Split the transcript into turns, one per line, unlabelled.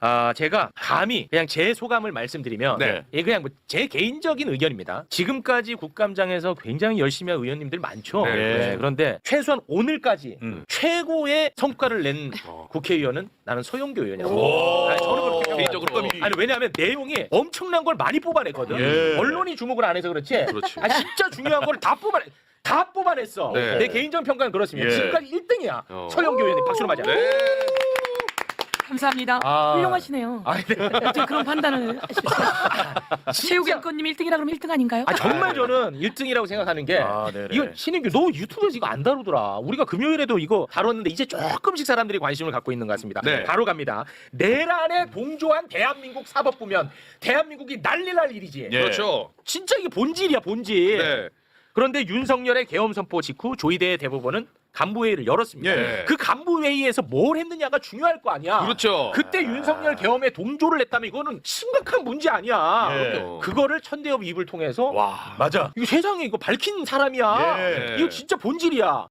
제가 감히 그냥 제 소감을 말씀드리면
네.
이게 그냥 뭐 제 개인적인 의견입니다. 지금까지 국감장에서 굉장히 열심히 한 의원님들 많죠.
네.
그런데 최소한 오늘까지 최고의 성과를 낸 국회의원은 나는 소영교 의원이라고. 아니, 저는 그렇게 생각해요.
개인적으로.
아니 왜냐하면 내용이 엄청난 걸 많이 뽑아냈거든.
예.
언론이 주목을 안 해서 그렇지.
그렇지.
진짜 중요한 걸 다 뽑아냈어.
네.
내 개인적 평가는 그렇습니다.
예.
지금까지 1등이야. 소영교 의원님 박수로 맞아.
네.
감사합니다.
아.
훌륭하시네요. 어떻게 그런 판단을 하실까요? 최욱앵커님 1등이라 그러면 1등 아닌가요?
정말 저는 1등이라고 생각하는 게
네네.
이거 신인규 너 유튜브에서 이거 안 다루더라. 우리가 금요일에도 이거 다뤘는데 이제 조금씩 사람들이 관심을 갖고 있는 것 같습니다.
네.
바로 갑니다. 내란에 동조한 대한민국 사법부면 대한민국이 난리 날 일이지.
예. 그렇죠.
진짜 이게 본질이야 본질.
네.
그런데 윤석열의 계엄 선포 직후 조희대 대법원은 간부회의를 열었습니다.
예.
그 간부회의에서 뭘 했느냐가 중요할 거 아니야.
그렇죠.
그때 윤석열 계엄에 동조를 했다면 이거는 심각한 문제 아니야.
예.
그거를 천대엽 입을 통해서
와.
맞아. 이거 세상에 이거 밝힌 사람이야.
예.
이거 진짜 본질이야.